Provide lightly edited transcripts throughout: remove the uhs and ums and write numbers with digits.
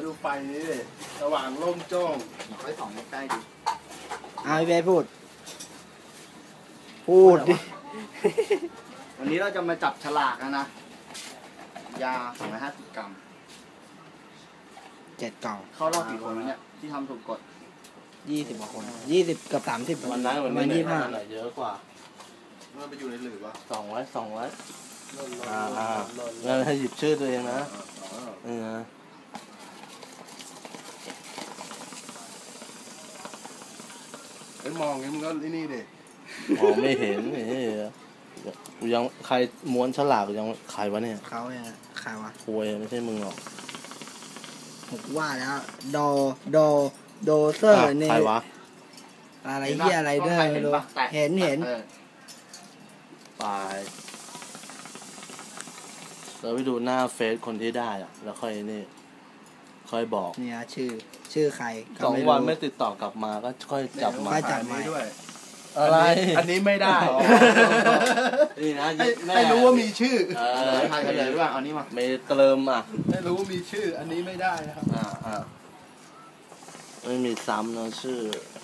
ดูไฟนี้ดิสว่างโล่งโจ้งไฟส่องใกล้ๆดิเอาพี่เบสพูดดิวันนี้เราจะมาจับฉลากนะยา250 กรัม 7 กล่องเข้ารอบกี่คนเนี่ยที่ทำถูกกฎ 20 กว่าคน20 กับ 30 วันนั้นวันนี้ไหนเยอะกว่าเมื่อไปอยู่ในหลืบวะ 200งั้นให้หยิบชื่อตัวเองนะไอ้มองงี้มึงก็นี่ดิมองไม่เห็นยังใครม้วนฉลากยังใครวะเนี่ยเขาเนี่ยใครวะป่วยไม่ใช่มึงหรอกผมว่าแล้วโดเซอร์เนี่ยใครวะอะไรเหี้ยอะไรเด้อไม่รู้เห็นไปเราไปดูหน้าเฟซคนที่ได้อะแล้วค่อยนี่ค่อยบอกเนี่ยชื่อใคร 2 วันไม่ติดต่อกลับมาก็ค่อยจับมาด้วยอะไรอันนี้ไม่ได้นี่นะให้รู้ว่ามีชื่อใครเลยด้วยเอานี้มาไม่เติมให้รู้ว่ามีชื่ออันนี้ไม่ได้นะครับไม่มีซ้ำนะชื่อ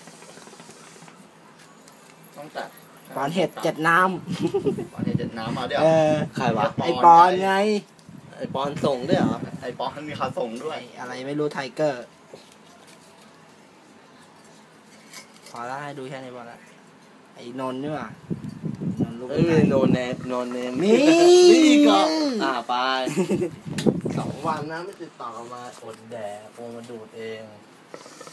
ต้องตัดปอนเห็ด7 น้ำปอนเห็ด7 น้ำมาเดี๋ยวใครวะไอปอนไงไอปอนส่งด้วยเหรอไอปอนมีขาส่งด้วยอะไรไม่รู้ไทเกอร์พอแล้วให้ดูแค่นี้พอแล้วไอ้นนท์นี่ว่ะนนท์ลูกโนเนมนี่ก็ไป2 วันนะไม่ติดต่อมาอดแดกโอมาดูดเอง